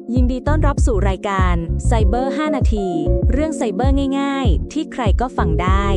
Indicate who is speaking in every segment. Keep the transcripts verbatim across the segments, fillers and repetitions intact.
Speaker 1: ยินดีต้อนรับสู่รายการไซเบอร์ห้านาทีเรื่องไซเบอร์ง่ายๆที่ใครก็ฟังได้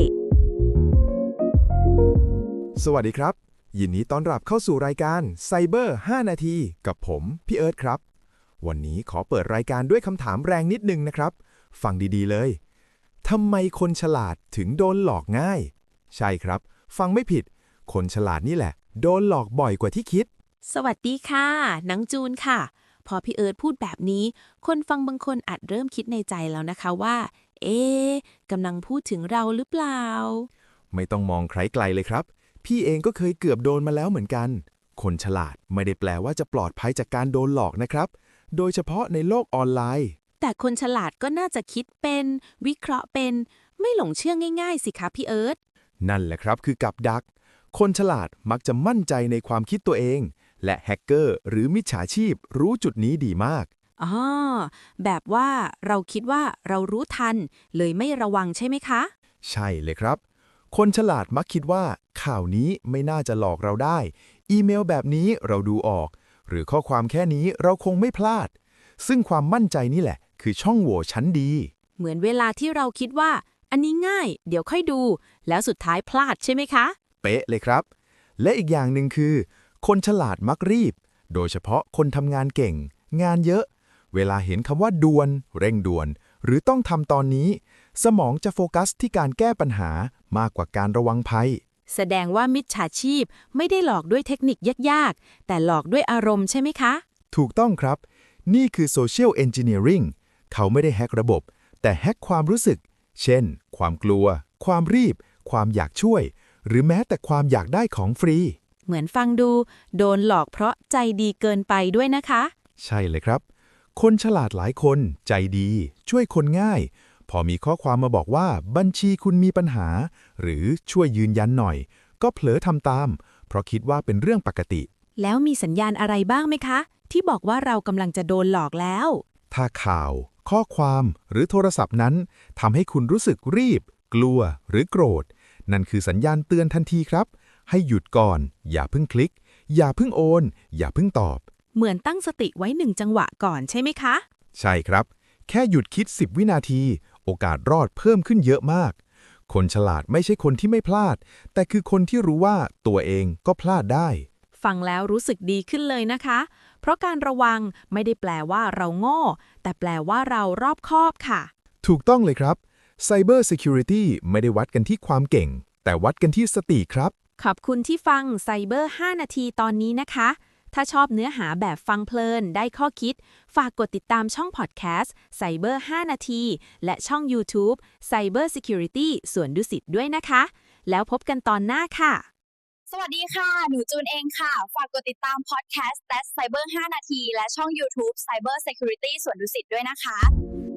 Speaker 2: สวัสดีครับยินดีต้อนรับเข้าสู่รายการไซเบอร์ห้านาทีกับผมพี่เอิร์ธครับวันนี้ขอเปิดรายการด้วยคำถามแรงนิดนึงนะครับฟังดีๆเลยทำไมคนฉลาดถึงโดนหลอกง่ายใช่ครับฟังไม่ผิดคนฉลาดนี่แหละโดนหลอกบ่อยกว่าที่คิด
Speaker 3: สวัสดีค่ะนังจูนค่ะพอพี่เอิร์ธพูดแบบนี้คนฟังบางคนอาจเริ่มคิดในใจแล้วนะคะว่าเอ๊ะกำลังพูดถึงเราหรือเปล่า
Speaker 2: ไม่ต้องมองใครไกลเลยครับพี่เองก็เคยเกือบโดนมาแล้วเหมือนกันคนฉลาดไม่ได้แปลว่าจะปลอดภัยจากการโดนหลอกนะครับโดยเฉพาะในโลกออนไลน์
Speaker 3: แต่คนฉลาดก็น่าจะคิดเป็นวิเคราะห์เป็นไม่หลงเชื่อง่ายๆสิคะพี่เอิร์ธ
Speaker 2: นั่นแหละครับคือกับดักคนฉลาดมักจะมั่นใจในความคิดตัวเองและแฮกเกอร์หรือมิจฉาชีพรู้จุดนี้ดีมาก
Speaker 3: อ๋อแบบว่าเราคิดว่าเรารู้ทันเลยไม่ระวังใช่ไหมคะ
Speaker 2: ใช่เลยครับคนฉลาดมักคิดว่าข่าวนี้ไม่น่าจะหลอกเราได้อีเมลแบบนี้เราดูออกหรือข้อความแค่นี้เราคงไม่พลาดซึ่งความมั่นใจนี่แหละคือช่องโหว่ชั้นดี
Speaker 3: เหมือนเวลาที่เราคิดว่าอันนี้ง่ายเดี๋ยวค่อยดูแล้วสุดท้ายพลาดใช่ไหมคะ
Speaker 2: เป๊ะเลยครับและอีกอย่างหนึ่งคือคนฉลาดมักรีบโดยเฉพาะคนทำงานเก่งงานเยอะเวลาเห็นคำว่าด่วนเร่งด่วนหรือต้องทำตอนนี้สมองจะโฟกัสที่การแก้ปัญหามากกว่าการระวังภัย
Speaker 3: แสดงว่ามิจฉาชีพไม่ได้หลอกด้วยเทคนิคยากๆแต่หลอกด้วยอารมณ์ใช่ไหมคะ
Speaker 2: ถูกต้องครับนี่คือ Social Engineering เขาไม่ได้แฮกระบบแต่แฮกความรู้สึกเช่นความกลัวความรีบความอยากช่วยหรือแม้แต่ความอยากได้ของฟรี
Speaker 3: เหมือนฟังดูโดนหลอกเพราะใจดีเกินไปด้วยนะคะ
Speaker 2: ใช่เลยครับคนฉลาดหลายคนใจดีช่วยคนง่ายพอมีข้อความมาบอกว่าบัญชีคุณมีปัญหาหรือช่วยยืนยันหน่อยก็เผลอทำตามเพราะคิดว่าเป็นเรื่องปกติ
Speaker 3: แล้วมีสัญญาณอะไรบ้างไหมคะที่บอกว่าเรากำลังจะโดนหลอกแล้ว
Speaker 2: ถ้าข่าวข้อความหรือโทรศัพท์นั้นทำให้คุณรู้สึกรีบกลัวหรือโกรธนั่นคือสัญญาณเตือนทันทีครับให้หยุดก่อนอย่าเพิ่งคลิกอย่าเพิ่งโอนอย่าเพิ่งตอบ
Speaker 3: เหมือนตั้งสติไว้หนึ่งจังหวะก่อนใช่ไหมคะ
Speaker 2: ใช่ครับแค่หยุดคิดสิบวินาทีโอกาสรอดเพิ่มขึ้นเยอะมากคนฉลาดไม่ใช่คนที่ไม่พลาดแต่คือคนที่รู้ว่าตัวเองก็พลาดได้
Speaker 3: ฟังแล้วรู้สึกดีขึ้นเลยนะคะเพราะการระวังไม่ได้แปลว่าเราโง่แต่แปลว่าเรารอบคอบค่ะ
Speaker 2: ถูกต้องเลยครับ Cyber Security ไม่ได้วัดกันที่ความเก่งแต่วัดกันที่สติครับ
Speaker 3: ขอบคุณที่ฟังไซเบอร์ห้านาทีตอนนี้นะคะถ้าชอบเนื้อหาแบบฟังเพลินได้ข้อคิดฝากกดติดตามช่องพอดแคสต์ไซเบอร์ห้านาทีและช่อง YouTube Cyber Security ส่วนดุสิตด้วยนะคะแล้วพบกันตอนหน้าค่ะ
Speaker 4: สวัสดีค่ะหนูจูนเองค่ะฝากกดติดตามพอดแคสต์ That's Cyber ห้านาทีและช่อง YouTube Cyber Security ส่วนดุสิตด้วยนะคะ